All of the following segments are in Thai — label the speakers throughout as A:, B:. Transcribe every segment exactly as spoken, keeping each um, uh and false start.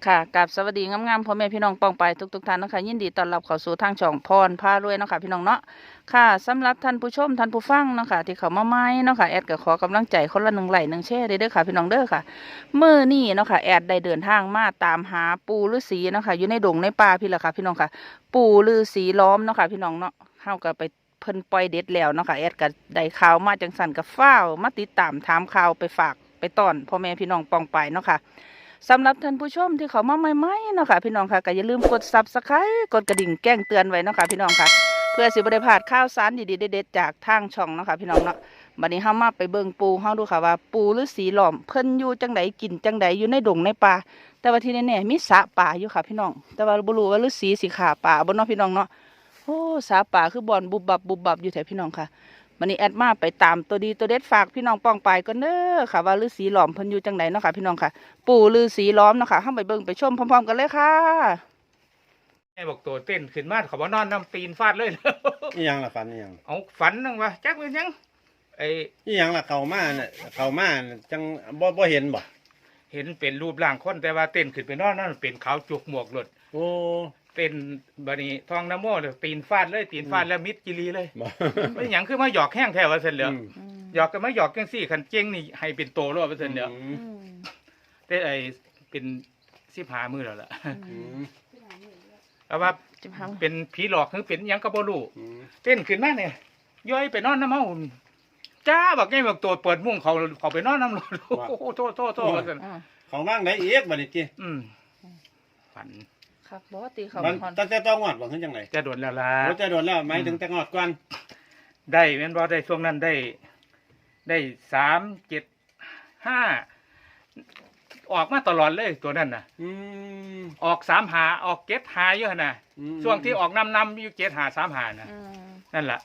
A: ค่ะกับสวัสดีงามๆพ่อแม่พี่น้องปองไปทุกๆท่านนะคะยินดีต้อนรับเข้าสู่ทางช่องพรพารวยเนาะค่ะพี่น้องเนาะค่ะสำหรับท่านผู้ชมท่านผู้ฟังเนาะค่ะที่เขามาใหม่เนาะค่ะแอดก็ขอกำลังใจคนละหนึ่งไลค์หนึ่งแชร์เด้อค่ะพี่น้องเด้อค่ะเมื่อนี่เนาะค่ะแอดได้เดินทางมาตามหาปู่ฤาษีเนาะค่ะอยู่ในดงในป่าพี่ละค่ะพี่น้องค่ะปู่ฤาษีล้อมเนาะค่ะพี่น้องเนาะเฮาก็ไปเพิ่นปล่อยเด็ดแล้วเนาะค่ะแอดก็ได้ข่าวมาจังสันกับฟ้าวมาติดตามถามข่าวไปฝากไปต้อนพ่อแม่พี่น้องปองไปเนาะค่ะ สำหรับท่านผู้ชมที่เขามาใหม่ๆเนาะค่ะพี่น้องค่ะก็อย่าลืมกดซับสไครต์กดกระดิ่งแจ้งเตือนไว้เนาะค่ะพี่น้องค่ะเพื่อสิบ่ได้พลาดข่าวสารดีๆเด็ดๆจากทางช่องเนาะค่ะพี่น้องเนาะบัดนี้เฮามาไปเบิ่งปูเฮาดูค่ะว่าปูฤาษีหล้อมเพิ่นอยู่จังไดกินจังไดอยู่ในดงในป่าแต่ว่าที่แน่ๆมีสระป่าอยู่ค่ะพี่น้องแต่ว่าบ่รู้ว่าฤาษีสิฆ่าป่าบ่เนาะพี่น้องเนาะโอ้สระป่าคือบ่อนบุบบับบุบบับอยู่แถวพี่น้องค่ะวันนี้แอดมาไปตามตัวดีตัวเด็ดฝากพี่น้องป้องไปก็เด้อค่ะว่าฤาษีหล้อมเพิ่นอยู่จังไดเนาะค่ะพี่น้องค่ะ ปู่ฤาษีล้อมเนาะค่ะเข้าไปเบิ่งไปชมพร้อมๆกันเลยค่ะ
B: แม่บอกตัวเต้นขึ้นมาเขาบอกนอนน้ำตีนฟาดเลย
C: นี่ยังล่ะฝันนี่ยัง
B: เอาฝันนึงวะจักเป็นยังไอ
C: นี่ยังล่ะเขามาเนี่ยเขามาเนี่ยจังบ่บ่เห็นบ่
B: เห็นเป็นรูปร่างคนแต่ว่าเต้นขึ้นไปนอนนั่นเป็นขาวจุกหมวกหลด
C: โอ้
B: เป็นบัดนี้ทองน้ำโม่เลยตีนฟาดเลยตีนฟาดแล้วมิดจิรีเลย
C: บ่
B: ไม่หยังคือมาหยอกแห้งแถวว่าเส้นเหลือ
C: อืม
B: หยอกกันมาหยอกกันสี่ขันเจ้งนี่ให้เป็นโตรอดว่าเส้นเหลือ
C: อืม
B: แต่ไอเป็นสิบหามือแล้วล่ะ
C: อืม
B: แต่ว่า
A: จิบหัง
B: เป็นผีหลอกหรือเป็นหยังกระโบลู
C: อืม
B: เต้นขึ้นมาเนี่ยย้อยไปนอนน้ำเมาจ้าบอกไงบอกตัวเปิดมุ้งเขาเขาไปนอนน้ำรถโอ้โหโทษโทษโทษว่าซั่น
A: อ่า
C: เขาว่างได้อีกบัดนี้ติ
B: อืมฝัน
A: ครับบอกว่าตีเขา
C: มัน
A: ฮอน
C: ตั้งแต่ต้องงอดบ่คือจังได๋
B: จะโดนแล้วล่ะ
C: โอ้จะโดนแล้วหมายถึงแต่งอดก่อน
B: ได้แม่นบ่ได้ช่วงนั้นได้ ได้สามเจ็ดห้าออกมาตลอดเลยตัวนั้นน่ะ
C: อืม
B: ออกสามหาออกเจ็ดหาเยอะนะ
C: อืม
B: ช่วงที่ออกนำนำอยู่เจ็ดหาสามหานะ
A: อืม
B: นั่นแหละ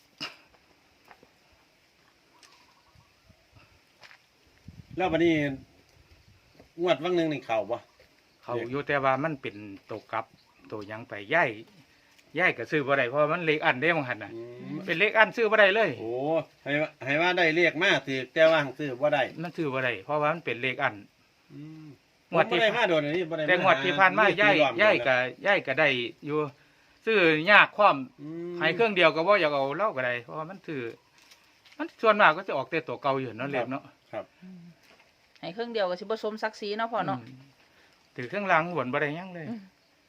C: แล้วบัดนี้งวดวังหนึงนี่เข้าบ่
B: เขาอยู่แต่ว่ามันเป็นตัวกลับตัวหยังไปย่ายย่ายก็ซื้อบ่ได้เพราะมันเล็กอันเด้มังหันน่ะ
C: อืม
B: เป็นเล็กอันซื้อบ่ได้เลย
C: โอ้ให้ว่าให้ว่าได้เรียกมาถือแต่ว่าซื้อบ่ได้
B: มันซื้อบ่ได้เพราะว่ามันเป็นเลขอัน
C: อืม
B: งวดที่
C: บ่ได้มาโดนอันนี้บ่ได้
B: แต่งวดที่ผ่านมาย่ายย่ายก็ย่ายก็ได้อยู่ ซื้อยากความ
C: อืม
B: ให้เครื่องเดียวก็บ่อยากเอาเล่าก็ได้เพราะว่ามันซื้อมันส่วนมากก็จะออกแต่ตัวเก่าอยู่เนาะเลขเนาะ
C: ครับ
A: ให้เครื่องเดียวก็สิบ่สมศักดิ์ศรีเนาะพ่อเนาะ
B: มถือเครื่องรางหวนบ่ได้หยังเลย
A: อืม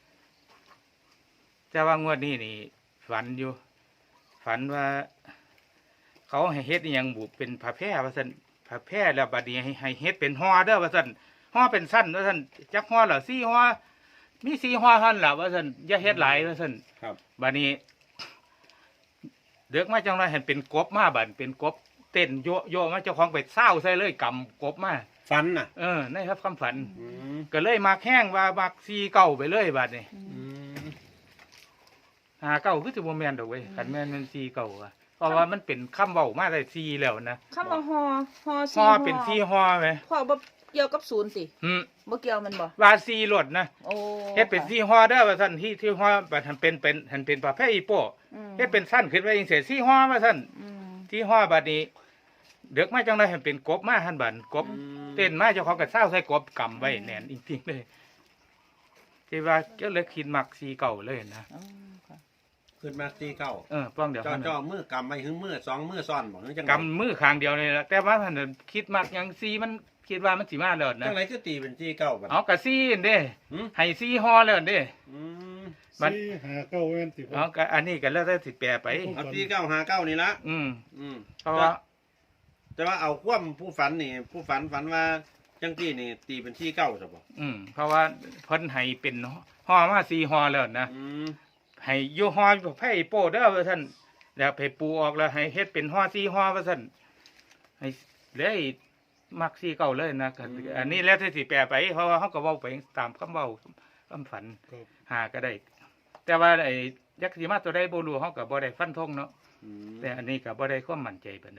B: แต่ว่างวดนี้นี่ ฝันอยู่ ฝันว่า เขาให้เฮ็ดอหยังบุเป็นผ้าแพร่ว่าซั่นผ้าแพร่แล้วบัดนี้ให้ให้เฮ็ดเป็นห่อเด้อว่าซั่นห่อเป็นสั้นว่าซั่นจักห่อละสี่ห่อมีสี่ห่อเท่านั้นล่ะว่าซั่นอย่าเฮ็ดหลายว่าซั่น
C: ครับ
B: บัดนี้เด็กมาจังไรเห็นเป็นกบมาบัดเป็นกบเต้นโยโยมาเจ้าของไปเศร้าใส่เลยกำกบมา
C: ฟันน่ะ
B: เออในครับคำฝัน
C: อืม
B: ก็เลยมาแข้งว่ามักซีเก่าไปเลยบัดนี้
C: อืม
B: หาเก่าคือสิบ่แม่นดอกเว้ยคันแม่นมันซีเก่าอะเพราะว่ามันเป็นคำเว้ามาได้ซีแล้วนะ
A: คำว่าฮอฮอ
B: ฮอเป็นซีฮอไหม
A: พ่อบ่เกี่ยวกับศูนย์สิ
B: อืม
A: บ่เกี่ยวมันบ่
B: ว่าซีรถนะ
A: โอ้
B: เฮ็ดเป็นซีฮอเด้อว่าซั่นที่ที่ฮอบัดหันเป็นเป็นหันเป็นประเภทอีโป้
A: อืม
B: เฮ็ดเป็นสั้นขึ้นไว้จังซี่ซีฮอว่าซั่น
A: อืม
B: ที่ฮอบัดนี้เด็กมาจังไรเห็นเป็นกบมาหันบัดกบ เต้นมาเจ้าของก็เศร้าใส่กบกำไว้แน่นจริงๆเลยที่ว่าก็เลยคิดมักซีเก่าเลยนะ
A: อ๋อค่ะ
C: ขึ้นมาตีเก้า
B: เออป้องเดี๋ยว
C: จ่อ
B: มัน
C: จ่อมือกำไปถึงมือสองมือซ้อนบอกจังไง
B: กำมือข้างเดียวเลยละแต่ว่าท่านนะคิดมักหยังซีมันคิดว่ามันสีมาแล้วนะ
C: จังไรคือตีเป็นตีเก้าบัด
B: เอากะซีนเด้
C: หืม
B: ให้ซีฮอแล้วเด้
C: อืม
B: มัน
D: สี่หาเก้าเว้นสิบ
B: เอากะอันนี้ก็แล้วแต่สิแปลไป
C: เอาตีเก้าหาเก้านี่ละ
B: อืม
C: อืม
B: เพราะว่า
C: แต่ว่าเอาคว่ำผู้ฝันนี่ ผู้ฝันฝันว่าจังตีนี่ ตีเป็นที่เก้าใช่ปะ
B: อืมเพราะว่าเพิ่นให้เป็นฮอมาซีฮอแล้วนะ
C: อืม
B: ให้อยู่ฮอไผ่โป้เด้อว่าท่านแล้วไปปูออกแล้วให้เฮ็ดเป็นฮอซีฮอว่าท่านให้เลยมักซีเก่าเลยนะก็อันนี้แล้วที่สิแปลไปเพราะว่าเขาก็เว้าไปตามคำเว้าคำฝัน
D: ครับ
B: หาก็ได้ แต่ว่าไอ้ยักษ์สีมาตัวใดบ่รู้เขาก็บ่ได้ฟันธงเนาะ
C: อืม
B: แต่อันนี้ก็บ่ได้ความมั่นใจปานใด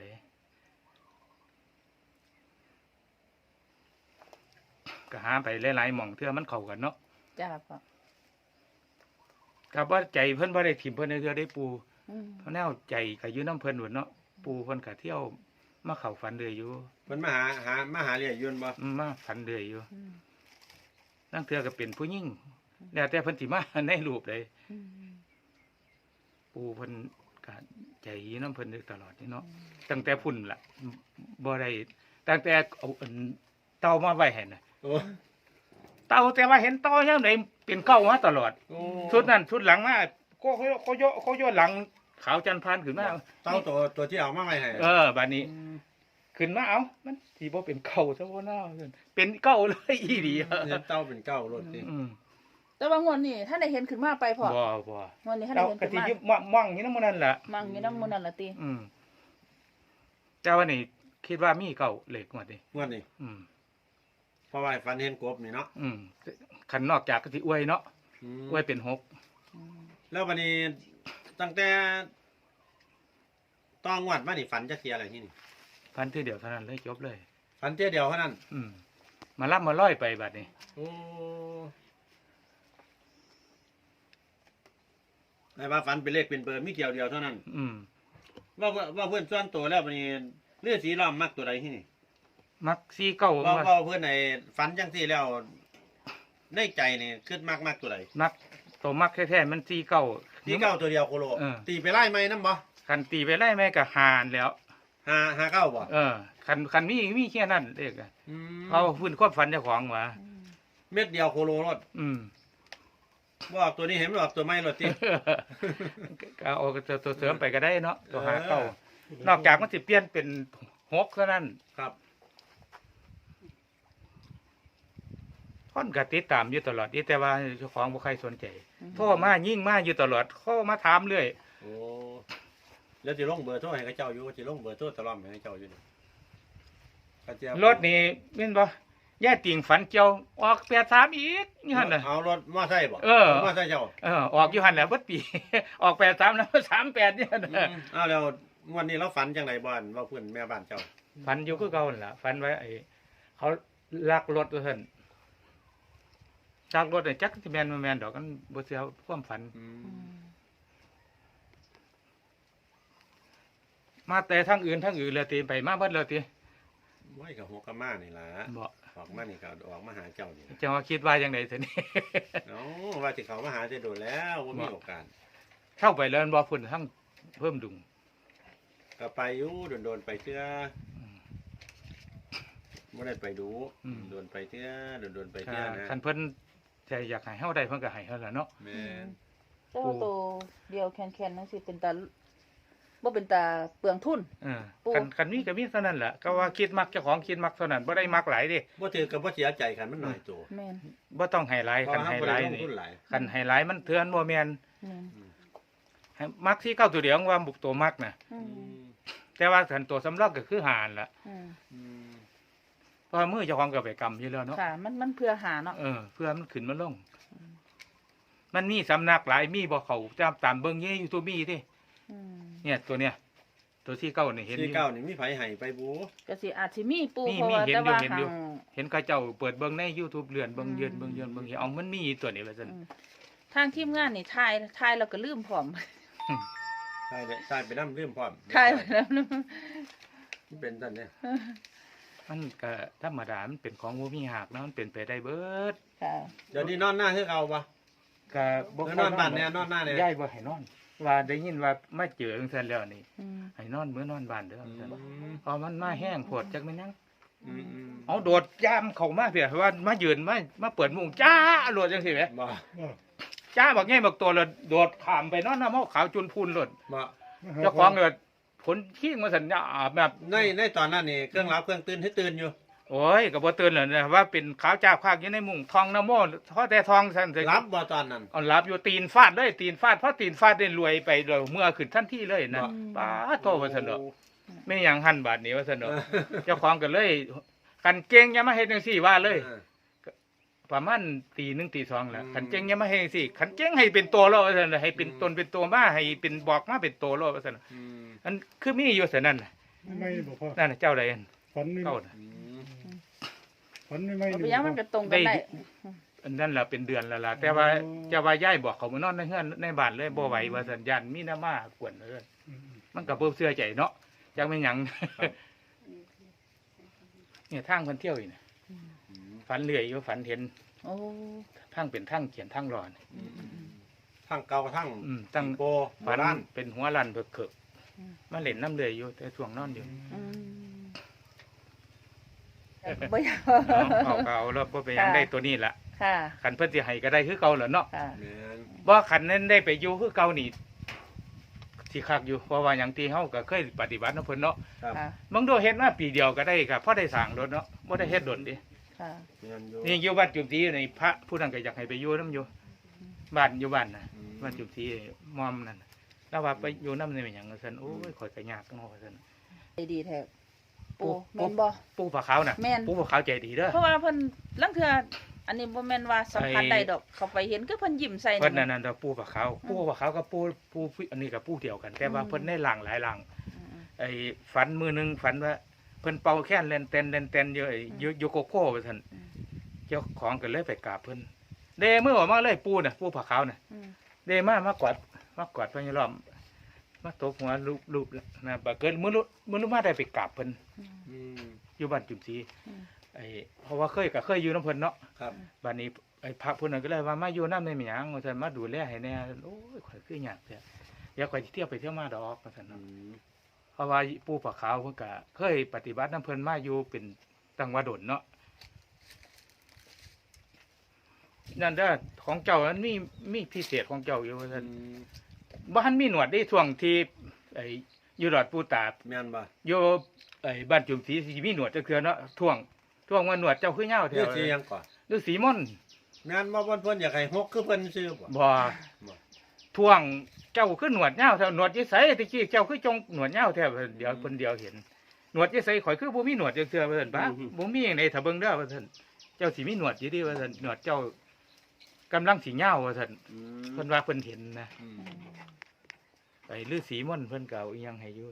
B: ก็หาไปหลายๆหม่องเทื่อมันเข้ากันเนาะ
A: จ้าพ่อ
B: ก็บ่ใจเพิ่นบ่ได้ถิ่มเพิ่นในเทื่อได้ปู
A: อืม
B: เพราะแนวใจก็อยู่น้ำเพิ่นหมดเนาะปูเพิ่นก็เที่ยวมาเข้าฝันเรื่อยอยู่
C: มันมาหาหามาหาเรียยนบ่
B: อืมมาฝันเรื่อยอยู่
A: อืม
B: นั่งเทือก็เป็นผู้หญิงแล้วแต่เพิ่นสิมาในรูปเลย
A: อืม
B: ปูเพิ่นก็ใจดีน้ำเพิ่นอยู่ตลอดนี่เนาะตั้งแต่พุ่นล่ะบ่ได้ตั้งแต่เอาอันเต่ามาไว้ให้น่ะ
C: โอ้
B: เต่าแต่ว่าเห็นเต่ายามใดเป็นเก้ามาตลอด
C: โอ้
B: ชุดนั้นชุดหลังมาก็เขาเขาโยเขาโยหลังขาวจันทร์พานขึ้นมา
C: เต้าตัวตัวที่เอามาไว้ให้
B: เออบัดนี้ ขึ้นมาเอ้ามันสิบ่เป็นเก้าซะบ่น่าเป็นเก้าเลยอีหลี
C: เห็นเต้าเป็นเก้ารถสิ
B: อืม
A: แต่ว่างวดนี้ถ้าได้เห็นขึ้นมาไปพอ
B: บ่บ่
A: งวดนี้ถ้า
B: เรา
A: ได้เห็น
B: กะ
A: ขึ้น
B: สิ
A: มา
B: ยึดมั่งมั่งอยู่นำมื้อนั้นล่ะ
A: มั่งอยู่น้ำมันนั่นละติ
B: อืมแต่ว่านี่คิดว่ามีเก้าเลขหมดนี่
C: งวดนี้
B: อืม
C: เพราะว่าฝันเห็นกบนี่เนาะ
B: อืมคันนอกจากก็สิอวยเนาะ
C: อืม
B: อวยเป็นหก
A: อืม
C: แล้ววันนี้ตั้งแต่ต้องงวดมานี่ฝันจะเสียอะไรที่นี่
B: พันทีเดียวเท่านั้นเลยจบเลย
C: ฝันเที่ยเดียวเท่านั้น
B: อืมมารับมาร้อยไปบัดนี้
C: โอ้ไอ้ว่าฝันเป็นเลขเป็นเบอร์มีเดียวเดียวเท่านั้น
B: อืม
C: ว่าว่าว่าเพื่อนส่วนตัวแล้ววันนี้เลือดสีล้อมมักตัวใดที่นี่
B: มักซีเก้า
C: ว่า
B: มา
C: ว่าเพื่อนในฝันจังที่แล้วในใจนี่ขึ้นมากมากตัวใด
B: มักตัวมักแท้ๆมันซีเก้า
C: ตีเก้าตัวเดียวโคโล
B: เออ
C: ตีไปไล่ไหมน้ำบ่
B: คันตีไปไล่แม่ก็หานแล้ว
C: หาหาเก้าบ่
B: เออ คันคันมีมีแค่นั้นเลขอะ
C: อืม
B: เอาพื้นความฝันเจ้าของมา
A: อืม
C: เม็ดเดียวโคโลรถ
B: อืม
C: ว่าออกตัวนี้เห็นว่าออกตัวไม่รถติ
B: ก็เอาตัวตัวเสริมไปก็ได้เนาะตัวหาเก้า
C: เออ
B: นอกจากมันสิเปลี่ยนเป็นหกเท่านั้น
C: ครับ
B: คนก็ติดตามอยู่ตลอดนี่แต่ว่าเจ้าของบ่ใครสนใจโทรมายิ่งมาอยู่ตลอดเข้ามาถามเรื่อย
C: โอ้แล้วจะลงเบอร์โทรให้กับเจ้าอยู่จะลงเบอร์โทรตลอดให้เจ้าอยู่นี่ก็จะ
B: รถนี่แม่นบ่ย่าติ่งฝันเจียวออกแปดสามอีกนี่หั่นน่ะ
C: เอารถมอไซค์บ่
B: เออ
C: มอไซค์เจ้า
B: เออออกอยู่หั่นแหละเบิดปี ออกแปดสามแล้วสามแปดนี่หั่น
C: อื
B: น่ะ
C: มอ้าวแล้วงวันนี้เราฝันจังไหนบ่อนว่าเพื่อนแม่บ้านเจ้า
B: ฝันอยู่คือเก่านั่นล่ะฝันไว้ไอ้เขาลักรถว่าซั่นลักรถน่ะจักสิแม่นบ่แม่นดอกกันบ่เสียความฝัน
C: อื
A: อื
C: ม
A: ม
B: มาแต่ทางอื่นทางอื่นเลยติไปมาเบิดเลยติ
C: ไว้กับหัวกะมานี่ล่ะ
B: บ่
C: ออกมานี่ก็ออกมาหาเจ้านี่ล่ะ
B: จะว่าคิดว่าจังได๋ซั่นนี่
C: เนาะว่าสิเขามาหาจะโดนแล้วบ่มีโอกาส
B: เข้าไปแล้วบ่พุ่นทั้งเพิ่มดุง
C: ก็ไปอยู่โดนๆไปเทื่อบ่ได้ไปดูโดนไปเทื่อโดนๆไปเทื่อนะ
B: คันเพิ่นใจอยากให้เฮาได้เพิ่นก็ให้เฮาล่ะเนาะ
C: แม่น
A: แต่ว่าตัวเดียวแคนๆนั่นสิเป็นตาบ่เป็นตาเปลืองทุน
B: เออ
A: ปู่
B: คันคันมีก็มีเท่านั้นแหละก็ว่าคิดมักเจ้าของคิดมักเท่านั้นบ่ได้มักหลายเดิ
C: บ่ถือกับบ่เสียใจคันมันน้อยตัว
A: แม่น
B: บ่ต้องให้หลาย
C: เพราะ
B: คัน
C: ว่า
B: ให้
C: บ่
B: ห
C: ได้
B: ลาย
C: ลง
B: นี่
C: ทุนหลาย
B: คันให้หลายมันเทือนบ่แม่น
A: แม่น
B: ให้มักที่เก้าตัวเดียวว่าบุกตัวมักน่ะ
A: อื
C: อื
A: ม
C: ม
B: แต่ว่าคันตัวสำรองก็คือหารล่ะ
A: อืม
C: อืม
B: เพราะว่ามือเจ้าของก็ไปกำอยู่แล้วเนาะ
A: ค่ะ มันมันเพื่อหาเนาะ
B: เออเพื่อมันขึ้นมาลง มันมีสำนักหลายมีบ่เขาตามตามเบิ่งอยู่ใน YouTube มีติ
A: อืม
B: เนี่ยตัวเนี้ยตัวที่เก้านี่เห็นอ
C: ที่
B: ยู่
C: เก้านี่มีไผให้ไปบู
A: ก็สิอาจสิมีปู
B: มี
A: เพราะว่า
B: มีเห็น
A: แต่
B: อยู่
A: ว่า
B: เห็นอยู่
A: ทาง
B: เห็นเขาเจ้าเปิดเบิ่งใน YouTube เลื่อนเบิ่งเยือนเบิ่งเยือนเบิ่งเห็นเอามันมีตัวนี้ว่าซั่น
A: อืมทางทีมงานนี่ทายทายแล้วก็ลืมพร้อม
C: ใช่เลยใช่ไปนำลืมพร้อม
A: ทายไปแล้วนะ
C: มันเป็นซั่นเนี่ย
B: มันก็ธรรมดามันเป็นของบ่มีหักเนาะมันเป็นไปได้เบิด
A: ค่ะ
C: เดี๋ยวนี้นอนหน้าคือเอาบ่
B: ก็บ่
C: เออนอนบ้านเนี่ยนอนหน้าเนี่ย
B: ย้ายบ่ให้นอน ว่าได้ยินว่ามาเจอจังซั่นแล้วนี่
A: อืม
B: ให้นอนมื้อนอนบ้านเด้อ
C: อื
B: ซั่น
C: ม
B: เพราะมันมาแห้งโพดจักแม่นหยัง
C: อืมอืม
B: เอาโดดยามเข้ามาเพียว่ามายืนมามาเปิดมุ้งจ้าโลดจังซี่แหม
C: บ่
B: จ้าบักแง่บักตัวเลยโดดข้ามไปนอนน้ำเมาขาวจุนพูนโลด
C: บ่
B: เจ้าของเลยผลขี้งมาสัญญาแบบ
C: ในในตอนนั้นนี่เครื่องรับเครื่องตื่นให้ตื่นอยู่
B: โอ้ยก็บ่ตื่นเลยนะว่าเป็นขาวจ้าภาคอยู่ในมุ้งทองน้ำโมเพราะแต่ทองซั่น
C: รับบ่ตอนนั้น
B: เอาหลับอยู่ตีนฟาดเลยตีนฟาดเพราะตีนฟาดได้รวยไปเลยเมื่อขึ้นทันทีเลยนะ
C: บ่
B: ป้าโทว่าซั่นดอกไม่หยังหันบาทนี้ว่าซั่นดอกเจ้าของก็เลยกันเก่งอย่ามาเฮ็ดจังซี่ว่าเลย
C: ออ
B: ประมาณตีหนึ่งตีสองแหละ
C: อืม
B: ขันเจ๊งยังไม่ให้สิขันเจ๊งให้เป็นตัวโลว่าซั่นน่ะให้เป็น
C: อืม
B: ตนเป็นตัวมาให้เป็นบอกมาเป็นตัวโลว่าซั่นน่ะ
C: อืม
B: อันคือมีอยู่ซั่นนั่นน่ะ
D: ไม่บอกพ่อ
B: นั่นน่ะเจ้าใดอัน
D: ฝันไม่
B: เก้าน่ะ
C: อืม
D: ฝันไม่ไม่
A: เอา
D: ห
A: ไป
D: นึ่ง
A: ยังมันก็ตรงกันได้
B: อันนั้นล่ะเป็นเดือนแล้วล่ะแต่ว่าเจ้าว่าย้ายบอกเขามานอนในเฮือนในบ้านเลยบ่ไหวว่าซั่นยันมีหน้ามากวนเลยมันก็บ่เชื่อใจเนาะจักแม่นหยังเนี่ยทางเพิ่นเที่ยวอีกน่ะ
C: อืม
B: ฝันเรื่อยอยู่ฝันเห็น
A: โอ้
B: ทั้งเป็นทั้งเขียนทั้งรอน
A: อืมอืม
C: ทั้งเก่าทั้ง
B: อืมตั้ง
C: โบ
B: ฝัน
C: บ้าน
B: เป็นหัวลันเบิกเกิก
A: อืม
B: มาเล่นน้ำเลยอยู่แต่ช่วงนอนอยู่
A: อืมบ่อยาก
B: เอาเอาเอาแล้วบ่ไปหยัง
A: ค่ะ
B: ได้ตัวนี้ล่ะ
A: ค่ะ
B: ขันเพิ่นสิให้ก็ได้คือเก่าแหล้วเนาะ
A: ค่ะ
C: แม่น
B: บ่ขันนั้นได้ไปอยู่คือเก่านี่สิคักอยู่เพราะว่าหยังที่เฮาก็เคยปฏิบัติเนาะเพิ่นเนาะ
C: ครับ
A: ค่ะ
B: มึงดูเฮ็ดมาปีเดียวก็ได้ครับพอได้สร้างรถเนาะบ่ได้เฮ็ดดนดิ
A: ค่ะ
C: แม่นอยู่
B: นี่อยู่บ้านจุมศรีในพระผู้นั้นก็อยากให้ไปอยู่นํอยู่บ้านอยู่บ้านน่ะ
C: อืม
B: บ้านจุมศรีมอมนั่นน่ะแล้วว่าไปอยู่นำได้เป็นหยังว่าซั่นโอ้ยข่อยก็ยากเนาะว่าซั่น
A: ดีแท้
B: ปู่
A: ปูแม่นบ่
B: ปู่ผาขาวน่ะ
A: แม่น
B: ปู่ผาขาวใจดีเด้อ
A: เพราะว่าเพิ่นลังเทื่ออันนี้บ่แม่นว่าสัมผัส
B: ไอ้
A: ได้ดอก เขาไปเห็นคือเพิ่นยิ้มใส่
B: เพิ่นนั่นน่ะปู่ผาขาวปู่ผาขาวกับปู่ปู่อันนี้ก็ปู่เดียวกัน แต่ว่า
A: อืม
B: เพิ่นได้หลังหลายหลัง
A: อืม
B: ไอ้ฝันมือหนึงฝันว่าเพิ่นเป่าแค้นเล่นเต้นเล่นเต้นอยู่ไอ้อยู่อยู่โกโก้ว่าซั่น
A: อืม
B: เจ้าของก็เลยไปกราบเพิ่นเดมือออกมาเลยปู่น่ะปู่ผาขาวน่ะ
A: อืม
B: เดมามากอดมากอดเพิ่นอยู่รอบมาตบหัวลูบๆนะบัดเกิดมื้อลุมื้อลุมาได้ไปกราบเพิ่น
A: อืม
C: อืม
B: อยู่บ้านจุมศรี
A: อืม
B: ไอ้เพราะว่าเคยก็เคยอยู่นำเพิ่นเนาะ
C: ครับ
B: บัดนี้ไอ้พระผู้นั้นก็เลยว่ามาอยู่นำได้มีหยังว่าซั่นมาดูแลให้แน่โอ้ยข่อยคือยากแท้เดี๋ยวข่อยสิเที่ยวไปเที่ยวมาดอกว่าซั่น
C: อื
B: เนาะ
C: ม
B: เพราะว่าปู่ผาขาวเพิ่นก็เคยปฏิบัตินำเพิ่นมาอยู่เป็นตั้งว่าดนเนาะนั่นเด้อของเจ้ามันมีมีพิเศษของเจ้าอยู่ว่า
C: อื
B: ซั่น
C: ม
B: บ้านมีหนวดได้ช่วงที่ไอ้อยู่ดอดปูตา
C: แม่นบ่
B: อยู่ไอ้บ้านจุ่มสีสิมีหนวดจักเทื่อเนาะท่วงท่วงว่าหนวดเจ้าคือเหย้าแถ
C: เรียก
B: ว
C: สิหยังก่อน
B: ฤาษีม่อน
C: แม่นบ่เพิ่นเพิ่นอยากให้ฮกคือเพิ่นซื้อบ่
B: บ่
C: บ่
B: ท่วงเจ้าคือหนวดเหย้าแถวหนวดยี่ไสตะกี้เจ้าคือจงหนวดเหย้าแถวเดี๋ยวคนเดียวเห็นหนวดยี่ไสข่อยคือบ่มีหนวดจักเทื่อว่าซั่นปะบ่มีจังไดถ้าเบิ่งเด้อว่าซั่นเจ้าสิมีหนวดอยู่ดิว่าซั่นหนวดเจ้ากำลังสิเหย้าว่าซั่น
C: อืม
B: เพิ่นว่าเพิ่นเห็นนะ
C: อืม
B: ไอ้ฤาษีม่อนเพิ่นก็เอาอีหยังให้อยู่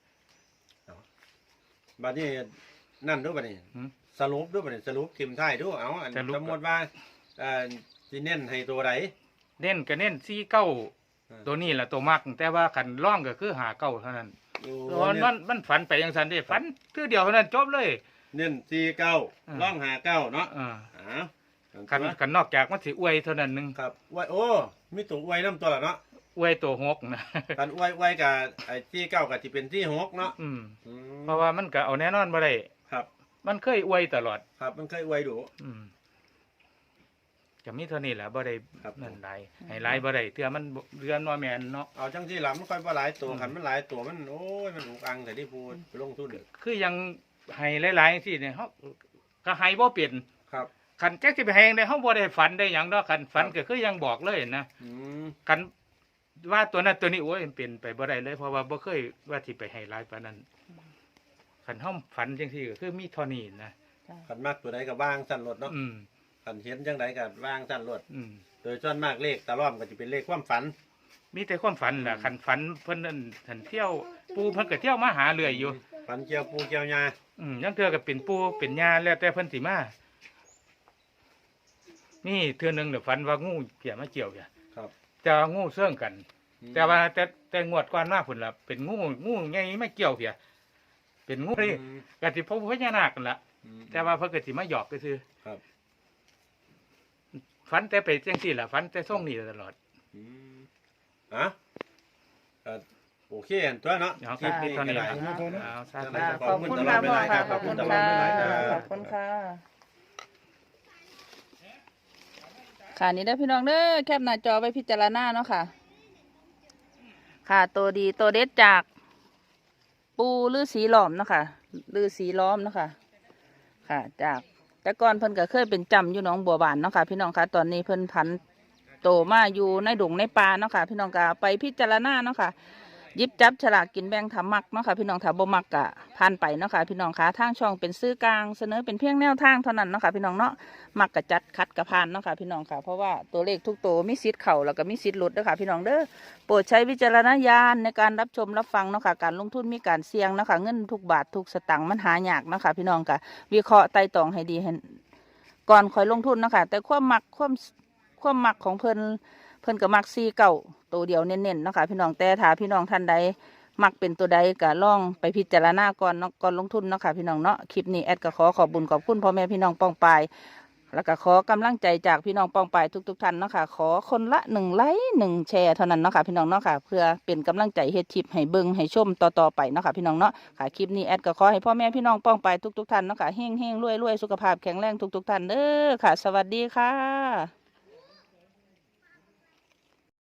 C: บัดนี้นั่นดูบัดนี้
B: หืม
C: สรุปดูบัดนี้สรุปทิมท้ายดูเอาอัน
B: สรุป
C: สมมุติว่าเอ่อสิเน้นให้ตัวใด
B: เน้นก็เน้นสี่เก้า
C: อ่า
B: ตัวนี้แหละตัวมักแต่ว่าขันร่องก็คือหาเก้าเท่านั้น
C: โอ้
B: มันมันมันฝันไปอย่างสันเด้ฝันคือเดียวเท่านั้นจบเลย
C: เน้นสี่เก้า
B: อ่า
C: ร่องหาเก้าเนาะ
B: อ่า
C: อ้าว
B: ขันขันนอกจากมันสิอวยเท่านั้นหนึง
C: ครับไว้โอ้มีตัวอวยน้ำตัวละเนาะ
B: อวยตัวหกนะ
C: กันอวยอวยกับไอ้ที่เก้ากับที่เป็นที่หกเนาะ
B: อืม
C: อืม
B: เพราะว่ามันก็เอาแน่นอนบ่ได้
C: ครับ
B: มันเคยอวยตลอด
C: ครับมันเคยอวยดู
B: อืมจะมีเท่านี้แหละบ่ได้
C: ครับ
B: นั่นหลายให้หลายบ่ได้เทื่อมันบ่เรือนว่าแม่นเนาะ
C: เอาจังที่หลังมันค่อยว่าหลายตัว
B: อืม
C: ขันมันหลายตัวมันโอ้ยมันอุกอังแต่ที่พูดไปลงทุนเด้อ
B: คือยังให้หลายๆสิเนี่ยเฮาก็ให้บ่เปลี่ยน
C: ครับ
B: คันแจ๊กสิไปให้ได้เฮาบ่ได้ฝันได้หยังดอกคันฝัน
C: ครับ
B: ก็คือยังบอกเลยนะ
C: อืม
B: กันว่าตัวนั้นตัวนี้โอ้ยมันเป็นไปบ่ได้เลยเพราะว่าบ่เคยว่าสิไปให้ร้ายปานนั้นขันห้องฝันจังซี่ก็คือมีเท่านี้นะ
C: ขันมากตัวใดกับว่างสั้นรถเนาะ
B: อืม
C: ขันเห็นจังใดกับว่างสั้นรถ
B: อืม
C: โดยส่วนมากเลขตะล่อมก็จะเป็นเลขความฝัน
B: มีแต่ความฝันล่ะขันฝันเพิ่นนั่นขันเที่ยว ปูเพิ่นก็เที่ยวมาหาเรื่อยอยู่
C: ฝันเกี่ยวปูเกี่ยวยา
B: อืมยังเทื่อก็เป็นปูเป็นญาแล้วแต่เพิ่นสิมานี่เทื่อหนึงเดี๋ยวฝันว่างูเกี่ยมาเกี่ยวเนี่ย
C: ครับ
B: แต่ว่างูเสื่องกัน แต่ว่าแต่แต่งวดก่อนมาพุ่นล่ะเป็นงูงูใหญ่ไม่เกี่ยวเพียเป็นงูนี่
C: อืม
B: ก็สิพบพญานาคกันล่ะ
C: อืม
B: แต่ว่าเพิ่นก็สิมาหยอกก็คือ
C: ครับ
B: ฝันแต่ไปจังซี่ล่ะฝันแต่ส่งนี่ตลอด
C: อืมอ่ะเอ่อโอเคอันตัวเนาะ
B: เอา
C: คลิปนี้
B: เท่า
C: ก็
B: นี้
C: ได้
B: ล่ะ
D: เอาเท่านี้
B: เอาซะ
C: ได้
B: แล้ว
A: ขอบคุณค่ะพ่อค่ะขอบคุณค่ะขอบคุณค่ะค่ะนี่ได้อพี่น้องเด้อแคปหน้าจอไว้พิจารณาเนาะค่ะ ค่ะตัวดีตัวเด็ดจาก ปูฤาษีล้อมเนาะค่ะฤาษีล้อมเนาะค่ะ ค่ะ จากแต่ก่อนเพิ่นก็เคยเป็นจำอยู่หนองบัวบานเนาะค่ะ พี่น้องค่ะตอนนี้เพิ่นผันโตมาอยู่ในดงในป่าเนาะค่ะ พี่น้องก็ไปพิจารณาเนาะค่ะหยิบจับฉลากกินแบ่งทำมักเนาะค่ะพี่น้องถ้าบ่มักกะผ่านไปเนาะค่ะพี่น้องค่ะทางช่องเป็นซื้อกลางเสนอเป็นเพียงแนวทางเท่านั้นเนาะค่ะพี่น้องเนาะมักกะจัดคัดกะผ่านเนาะค่ะพี่น้องค่ะเพราะว่าตัวเลขทุกตัวมีสิทธิ์เข้าแล้วก็มีสิทธิ์หลุดเด้อค่ะพี่น้องเด้อโปรดใช้วิจารณญาณในการรับชมรับฟังเนาะค่ะการลงทุนมีการเสี่ยงเนาะค่ะเงินทุกบาททุกสตางค์มันหายากเนาะค่ะพี่น้องค่ะวิเคราะห์ไต่ตรองให้ดีให้ก่อนค่อยลงทุนเนาะค่ะแต่ความมักความความมักของเพิ่นเพิ่นก็มักซีเก่าตัวเดียวเน้นๆเนาะค่ะพี่น้องแต่ถ้าพี่น้องท่านใดมักเป็นตัวใดก็ลองไปพิจารณาก่อนเนาะก่อนลงทุนเนาะค่ะพี่น้องเนาะคลิปนี้แอดก็ขอขอบบุญขอบคุณพ่อแม่พี่น้องป้องปายแล้วก็ขอกำลังใจจากพี่น้องป้องไปทุกๆท่านเนาะค่ะขอคนละหนึ่งไลค์หนึ่งแชร์เท่านั้นเนาะค่ะพี่น้องเนาะค่ะเพื่อเป็นกำลังใจเฮ็ดคลิปให้เบิ่งให้ชมต่อๆไปเนาะค่ะพี่น้องเนาะค่ะคลิปนี้แอดก็ขอให้พ่อแม่พี่น้องป้องไปทุกๆท่านเนาะค่ะเฮงๆรวยๆสุขภาพแข็งแรงทุกๆท่านเด้อค่ะสวัสดีค่ะ